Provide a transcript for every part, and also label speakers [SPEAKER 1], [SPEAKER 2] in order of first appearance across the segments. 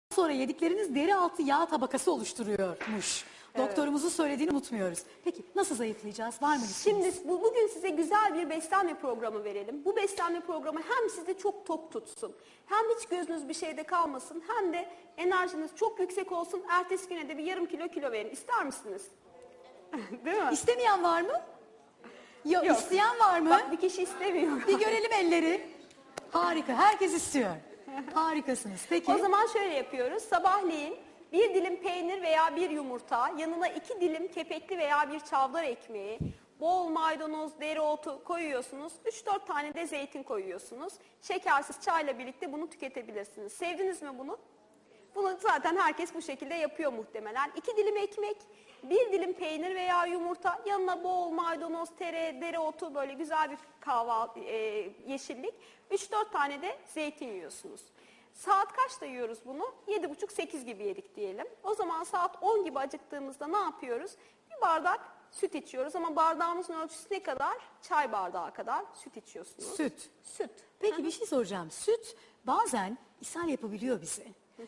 [SPEAKER 1] sonra yedikleriniz deri altı yağ tabakası oluşturuyormuş.
[SPEAKER 2] Evet.
[SPEAKER 1] Doktorumuzun söylediğini unutmuyoruz. Peki nasıl zayıflayacağız? Var mı listeniz?
[SPEAKER 2] Şimdi bugün size güzel bir beslenme programı verelim. Bu beslenme programı hem sizi çok tok tutsun, hem hiç gözünüz bir şeyde kalmasın, hem de enerjiniz çok yüksek olsun. Ertesi güne de bir yarım kilo verin. İster misiniz? Değil mi?
[SPEAKER 1] İstemeyen var mı? Yok.
[SPEAKER 2] Yok.
[SPEAKER 1] İsteyen var mı?
[SPEAKER 2] Bak, bir kişi istemiyor.
[SPEAKER 1] Bir görelim elleri. Harika. Herkes istiyor. Harikasınız. Peki.
[SPEAKER 2] O zaman şöyle yapıyoruz. Sabahleyin bir dilim peynir veya bir yumurta, yanına 2 dilim kepekli veya bir çavdar ekmeği, bol maydanoz, dereotu koyuyorsunuz. 3-4 tane de zeytin koyuyorsunuz. Şekersiz çayla birlikte bunu tüketebilirsiniz. Sevdiniz mi bunu? Bunu zaten herkes bu şekilde yapıyor muhtemelen. 2 dilim ekmek, 1 dilim peynir veya yumurta, yanına bol maydanoz, dereotu, böyle güzel bir kahvaltı, yeşillik. 3-4 tane de zeytin yiyorsunuz. Saat kaçta yiyoruz bunu? 7.30-8 gibi yedik diyelim. O zaman saat 10 gibi acıktığımızda ne yapıyoruz? Bir bardak süt içiyoruz ama bardağımızın ölçüsü ne kadar? Çay bardağı kadar süt içiyorsunuz.
[SPEAKER 1] Süt.
[SPEAKER 2] Süt.
[SPEAKER 1] Peki bir şey soracağım. Süt bazen ishal yapabiliyor bize.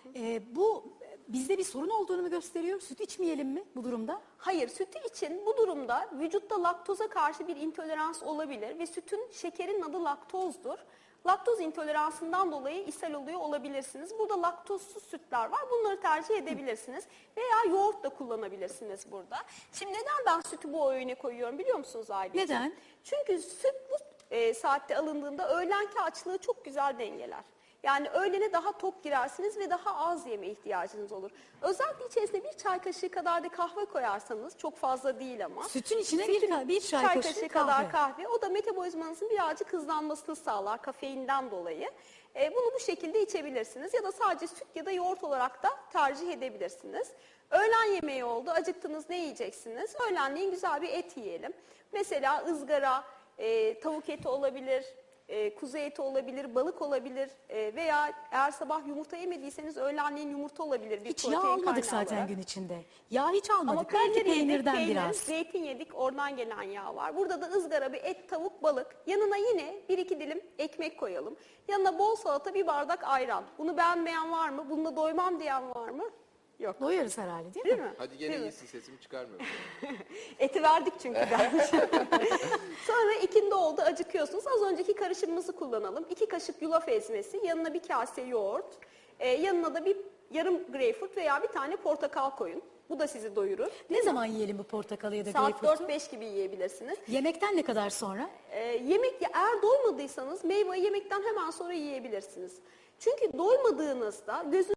[SPEAKER 1] Bu bizde bir sorun olduğunu mu gösteriyor? Süt içmeyelim mi bu durumda?
[SPEAKER 2] Hayır, sütü için bu durumda vücutta laktoza karşı bir intolerans olabilir ve sütün, şekerin adı laktozdur. Laktoz intoleransından dolayı ishal oluyor olabilirsiniz. Burada laktozsuz sütler var. Bunları tercih edebilirsiniz. Veya yoğurt da kullanabilirsiniz burada. Şimdi neden ben sütü bu öğüne koyuyorum biliyor musunuz Aylin?
[SPEAKER 1] Neden?
[SPEAKER 2] Çünkü süt bu saatte alındığında öğlenki açlığı çok güzel dengeler. Yani öğlene daha tok girersiniz ve daha az yeme ihtiyacınız olur. Özellikle içerisine bir çay kaşığı kadar da kahve koyarsanız, çok fazla değil ama.
[SPEAKER 1] Sütün içine bir çay kaşığı
[SPEAKER 2] kadar kahve. O da metabolizmanızın birazcık hızlanmasını sağlar kafeinden dolayı. Bunu bu şekilde içebilirsiniz ya da sadece süt ya da yoğurt olarak da tercih edebilirsiniz. Öğlen yemeği oldu. Acıktınız, ne yiyeceksiniz? Öğlenleyin güzel bir et yiyelim. Mesela ızgara, tavuk eti olabilir, kuzu eti olabilir, balık olabilir veya eğer sabah yumurta yemediyseniz öğlenleyin yumurta olabilir. Bir
[SPEAKER 1] Hiç yağ
[SPEAKER 2] protein
[SPEAKER 1] almadık
[SPEAKER 2] kaynağı
[SPEAKER 1] zaten
[SPEAKER 2] olarak.
[SPEAKER 1] gün içinde. Yağ hiç almadık.
[SPEAKER 2] Ama
[SPEAKER 1] Belki
[SPEAKER 2] peynir yedik,
[SPEAKER 1] peynirden biraz.
[SPEAKER 2] zeytin yedik, oradan gelen yağ var. Burada da ızgara bir et, tavuk, balık. Yanına yine 1-2 dilim ekmek koyalım. Yanına bol salata, bir bardak ayran. Bunu beğenmeyen var mı? Bununla doymam diyen var mı? Yok.
[SPEAKER 1] Doyarız herhalde değil
[SPEAKER 2] Değil
[SPEAKER 1] mi?
[SPEAKER 2] mi?
[SPEAKER 3] Hadi gene
[SPEAKER 2] Değil mi?
[SPEAKER 3] iyisin, sesimi çıkarmıyorum.
[SPEAKER 2] Eti verdik çünkü dermiş. Sonra ikindi oldu, acıkıyorsunuz. Az önceki karışımımızı kullanalım. 2 kaşık yulaf ezmesi, yanına bir kase yoğurt, yanına da bir yarım greyfurt veya bir tane portakal koyun. Bu da sizi doyurur.
[SPEAKER 1] Ne zaman yiyelim bu portakalı ya da
[SPEAKER 2] Saat
[SPEAKER 1] greyfurtu?
[SPEAKER 2] 4-5 gibi yiyebilirsiniz.
[SPEAKER 1] Yemekten ne kadar sonra?
[SPEAKER 2] Eğer doymadıysanız meyveyi yemekten hemen sonra yiyebilirsiniz. Çünkü doymadığınızda gözünüz